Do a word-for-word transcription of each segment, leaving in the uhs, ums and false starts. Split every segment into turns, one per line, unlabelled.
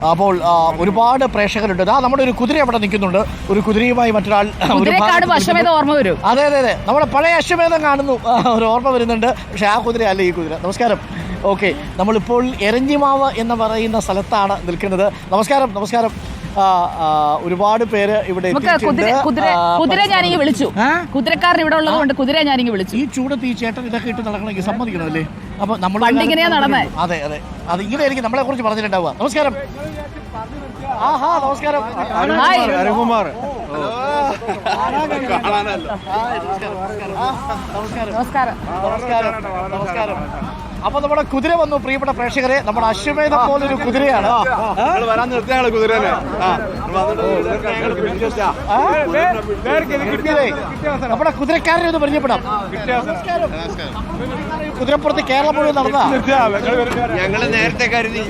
അപ്പോൾ ഒരുപാട് പ്രേക്ഷകരുണ്ട്. ആ നമ്മുടെ ഒരു കുതിര അവിടെ നിൽക്കുന്നുണ്ട്. ഒരു കുതിരയുമായി മറ്റൊരാൾ
ഓർമ്മ വരും.
അതെ അതെ അതെ നമ്മുടെ പഴയ അശ്വമേധം കാണുന്നു, ഒരു ഓർമ്മ വരുന്നുണ്ട്. പക്ഷെ ആ കുതിര അല്ല ഈ കുതിര. നമസ്കാരം. ഓക്കെ, നമ്മളിപ്പോൾ എരഞ്ഞിമാവ് എന്ന് പറയുന്ന സ്ഥലത്താണ് നിൽക്കുന്നത്. നമസ്കാരം. നമസ്കാരം. ഒരുപാട് പേര് ഇവിടെ
കുതിര ഞാനിങ്ങ് വിളിച്ചു. കുതിരക്കാരൻ ഇവിടെ ഉള്ളതുകൊണ്ട് കുതിര ഞാനിങ്ങ് വിളിച്ചു.
ഈ ചൂടത്ത് ഈ ചേട്ടൻ ഇതൊക്കെ ഇട്ട് നടക്കണമെങ്കിൽ സമ്മതിക്കണമല്ലേ? അപ്പൊ നമ്മൾ
ഇങ്ങനെയാ നടന്നേ.
അതെ അതെ അത് ഇങ്ങനെ എനിക്ക് നമ്മളെ കുറിച്ച് പറഞ്ഞിട്ടുണ്ടാവുക. നമസ്കാരം. ആഹാ നമസ്കാരം.
അരുൺകുമാർ.
നമസ്കാരം.
നമസ്കാരം. നമസ്കാരം. അപ്പൊ നമ്മുടെ കുതിര വന്നു. പ്രിയപ്പെട്ട പ്രേക്ഷകരെ, നമ്മുടെ അശ്വമേധം പോലൊരു കുതിരയാണ്. നമ്മുടെ കുതിരക്കാരനെ ഒന്ന് പരിചയപ്പെടാം. കുതിരപ്പുറത്ത് കേരളം മുഴുവൻ നടന്ന
ഞങ്ങള് നേരത്തെ കരുതി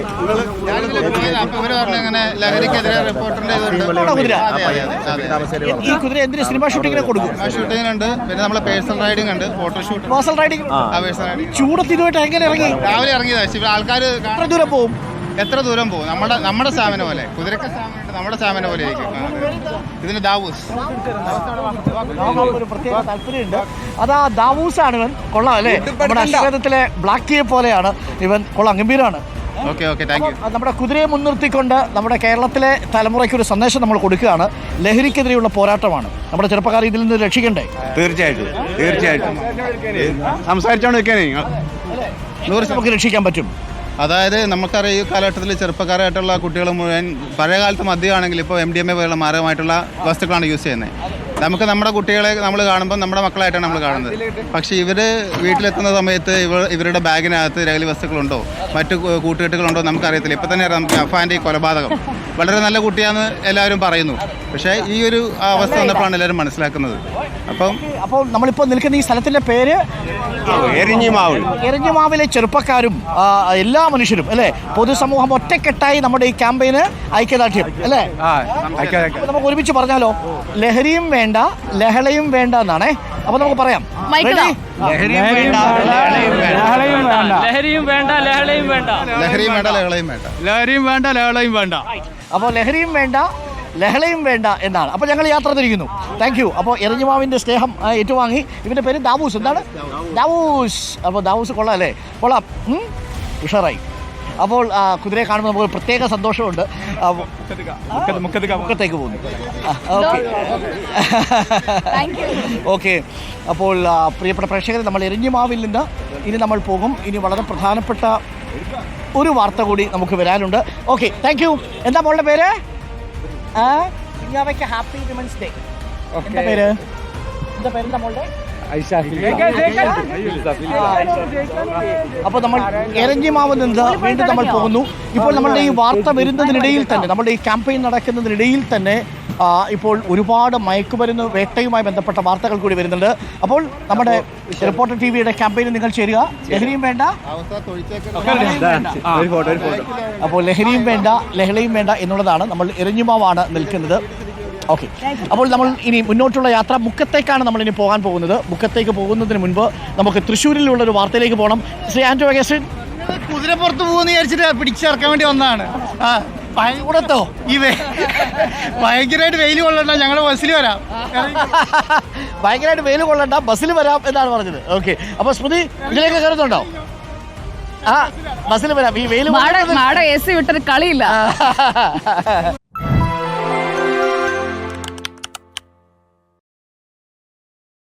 കുതിര. ഈ കുതിര എന്തിന് സിനിമ ഷൂട്ടിങ്ങിനെ കൊടുക്കും?
ഷൂട്ടിംഗ് ഉണ്ട്, പിന്നെ നമ്മളെ പേഴ്സണൽ റൈഡിംഗ് ഉണ്ട്, ഫോട്ടോഷൂട്ട്.
പേഴ്സണൽ റൈഡിംഗ് ചൂടത്ത് ഇതുമായിട്ട് എങ്ങനെ ഇറങ്ങി?
രാവിലെ ഇറങ്ങിയതാ. ആൾക്കാർ
എത്ര ദൂരം പോകും?
എത്ര ദൂരം പോകും? നമ്മുടെ നമ്മുടെ സ്റ്റാമിന പോലെ, കുതിരക്ക് സ്റ്റാമിന നമ്മുടെ സ്റ്റാമിന പോലെ ആയിരിക്കും. ഇതിന് ദാവൂസ്
ഒരു പ്രത്യേക താല്പര്യമുണ്ട്. അതാ ദാവൂസ് ആണ് ഇവൻ. കൊള്ളാം അല്ലേ? നമ്മുടെ അശ്വമേധത്തിലെ ബ്ലാക്കിയെ പോലെയാണ് ഇവൻ. കൊള്ളാം, ഗംഭീരമാണ്.
Okay okay thank you.
നമ്മുടെ കുതിരയെ മുൻനിർത്തിക്കൊണ്ട് നമ്മുടെ കേരളത്തിലെ തലമുറയ്ക്ക് ഒരു സന്ദേശം നമ്മൾ കൊടുക്കുകയാണ്. ലഹരിക്കെതിരെയുള്ള പോരാട്ടമാണ്. നമ്മുടെ ചെറുപ്പക്കാർ ഇതിൽ നിന്ന് രക്ഷിക്കണ്ടേ?
തീർച്ചയായിട്ടും തീർച്ചയായിട്ടും സംസാരിച്ചോണ്ടിരിക്കാനേ
നമുക്ക് രക്ഷിക്കാൻ പറ്റും.
അതായത് നമുക്കറിയാം, ഈ കാലഘട്ടത്തിൽ ചെറുപ്പക്കാരായിട്ടുള്ള കുട്ടികൾ മുഴുവൻ പഴയ കാലത്ത് മദ്യമാണെങ്കിൽ ഇപ്പോൾ എം ഡി എം എ പോലുള്ള മാരകമായിട്ടുള്ള വസ്തുക്കളാണ് യൂസ് ചെയ്യുന്നത്. നമുക്ക് നമ്മുടെ കുട്ടികളെ നമ്മൾ കാണുമ്പോൾ നമ്മുടെ മക്കളായിട്ടാണ് നമ്മൾ കാണുന്നത്. പക്ഷേ ഇവർ വീട്ടിലെത്തുന്ന സമയത്ത് ഇവ ഇവരുടെ ബാഗിനകത്ത് ലഹരി വസ്തുക്കളുണ്ടോ മറ്റു കൂട്ടുകെട്ടുകളുണ്ടോ നമുക്കറിയത്തില്ല. ഇപ്പം തന്നെ അറിയാം അഫാൻ്റെ ഈ കൊലപാതകം. വളരെ നല്ല കുട്ടിയാണെന്ന് എല്ലാവരും പറയുന്നു. പക്ഷേ ഈ ഒരു അവസ്ഥ വന്നപ്പോഴാണ് എല്ലാവരും മനസ്സിലാക്കുന്നത്. അപ്പം
അപ്പോൾ നമ്മളിപ്പോൾ നിൽക്കുന്ന ഈ സ്ഥലത്തിൻ്റെ പേര്
എരഞ്ഞിമാവ്.
എരഞ്ഞിമാവിലെ ചെറുപ്പക്കാരും എല്ലാ മനുഷ്യരും അല്ലേ, പൊതുസമൂഹം ഒറ്റക്കെട്ടായി നമ്മുടെ ഈ ക്യാമ്പയിന് ഐക്യദാർഢ്യം അല്ലേ? നമുക്ക് ഒരുമിച്ച് പറഞ്ഞാലോ? ലഹരിയും വേണ്ട ലഹളയും വേണ്ട എന്നാണേ. അപ്പൊ നമുക്ക് പറയാം,
ലഹരിയും വേണ്ട ലഹളയും വേണ്ട
ലഹരിയും വേണ്ട ലഹളയും വേണ്ട
ലഹരിയും വേണ്ട ലഹളയും വേണ്ട
ലഹരിയും വേണ്ട ലഹളയും വേണ്ട.
അപ്പോൾ ലഹരിയും വേണ്ട ലഹളയും വേണ്ട എന്നാണ്. അപ്പോൾ ഞങ്ങൾ യാത്ര തിരിക്കുന്നു. Thank you. അപ്പോൾ എരഞ്ഞിമാവിൻ്റെ സ്നേഹം ഏറ്റുവാങ്ങി. ഇവൻ്റെ പേര് ദാവൂസ്. എന്താണ്? ദാവൂസ്. അപ്പോൾ ദാവൂസ് കൊള്ളാം അല്ലേ? കൊള്ളാം, ഉഷാറായി. അപ്പോൾ കുതിരയെ കാണുമ്പോൾ നമുക്ക് പ്രത്യേക സന്തോഷമുണ്ട്. മുക്കത്തേക്ക് പോകുന്നു. ഓക്കെ. അപ്പോൾ പ്രിയപ്പെട്ട പ്രേക്ഷകരെ, നമ്മൾ എരഞ്ഞിമാവിൽ നിന്ന് ഇനി നമ്മൾ പോകും. ഇനി വളരെ പ്രധാനപ്പെട്ട ഒരു വാർത്ത കൂടി നമുക്ക് വരാനുണ്ട്. Okay, thank you. എന്താ മോളുടെ പേര്? കുഞ്ഞാവയ്ക്ക് ഹാപ്പി വിമൻസ് ഡേ. എന്താ പേര്? എന്താ പേരെന്താ മോളുടെ? അപ്പോൾ നമ്മൾ എരഞ്ഞിമാവിൽ നിന്ന് വീണ്ടും നമ്മൾ പോകുന്നു. ഇപ്പോൾ നമ്മളുടെ ഈ വാർത്ത വരുന്നതിനിടയിൽ തന്നെ, നമ്മുടെ ഈ ക്യാമ്പയിൻ നടക്കുന്നതിനിടയിൽ തന്നെ ഇപ്പോൾ ഒരുപാട് മയക്കുമരുന്ന് വേട്ടയുമായി ബന്ധപ്പെട്ട വാർത്തകൾ കൂടി വരുന്നുണ്ട്. അപ്പോൾ നമ്മുടെ റിപ്പോർട്ടർ ടി വിയുടെ ക്യാമ്പയിനിൽ നിങ്ങൾ ചേരുക. ലഹരിയും വേണ്ട അപ്പോൾ ലഹരിയും വേണ്ട ലഹളയും വേണ്ട എന്നുള്ളതാണ്. നമ്മൾ എരഞ്ഞിമാവാണ് നിൽക്കുന്നത്. ഓക്കെ. അപ്പോൾ നമ്മൾ ഇനി മുന്നോട്ടുള്ള യാത്ര മുക്കത്തേക്കാണ് നമ്മൾ ഇനി പോകാൻ പോകുന്നത്. മുക്കത്തേക്ക് പോകുന്നതിന് മുൻപ് നമുക്ക് തൃശ്ശൂരിലുള്ള ഒരു വാർത്തയിലേക്ക് പോകണം. ശ്രീ ആന്റോ അഗസ്റ്റിൻ,
കുതിരപ്പുറത്ത് പോകുന്ന വിചാരിച്ചിട്ട് പിടിച്ചിറക്കാൻ വേണ്ടി വന്നതാണ്. ആ
കൂടത്തോ?
ഈ ഭയങ്കരമായിട്ട് വെയിൽ കൊള്ളണ്ട, ഞങ്ങൾ ബസ്സിൽ വരാം.
ഭയങ്കരമായിട്ട് വെയിൽ കൊള്ളണ്ട, ബസ്സിൽ വരാം എന്നാണ് പറഞ്ഞത്. ഓക്കെ. അപ്പോൾ സ്മൃതി ഇതിലേക്ക് കയറുന്നുണ്ടോ? ആ ബസ്സിൽ വരാം. ഈ വെയിൽ
എ സി വിട്ടൊരു കളിയില്ല.